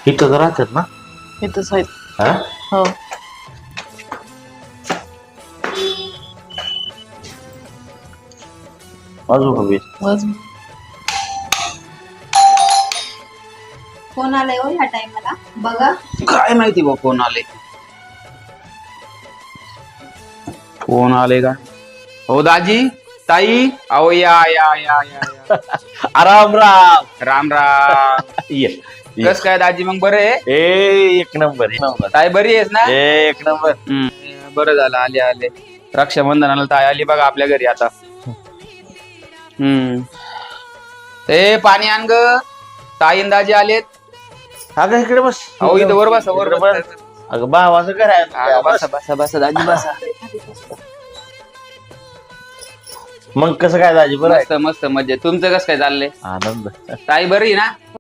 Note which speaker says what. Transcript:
Speaker 1: इथं राहतात ना?
Speaker 2: इथंच आहेत.
Speaker 1: हा?
Speaker 2: हो.
Speaker 1: अजून हवी
Speaker 2: बस.
Speaker 3: कोण आलंय हो ह्या टाइमला बघा.
Speaker 4: काय माहिती बा कोण आले. कोण आले का? हो दाजी, ताई, अहो या या या या या.
Speaker 1: राम राम.
Speaker 4: राम राम.
Speaker 1: ये
Speaker 4: कस काय दाजी मग बरं आहे?
Speaker 1: एक नंबर एक नंबर
Speaker 4: ताई बरी आहेस ना?
Speaker 1: एक नंबर.
Speaker 4: बरं झालं आले आले. रक्षाबंधनाला ताई आली बघा आपल्या घरी आता. ए पाणी आण ग. ताई आणि दाजी आलेत.
Speaker 1: अगं इकडे बस.
Speaker 4: अहो इथं वर बसा वर
Speaker 1: इकडे
Speaker 4: बसा.
Speaker 1: बस. अगं भावाचं घर आहे.
Speaker 4: अगं, बसा बसा बसा दाजी बसा.
Speaker 1: मग कसं काय दाजी बरं आहे?
Speaker 4: मस्त मस्त मजेत. तुमचं कसं काय चाललंय?
Speaker 1: आनंद.
Speaker 4: ताई बरी आहे ना?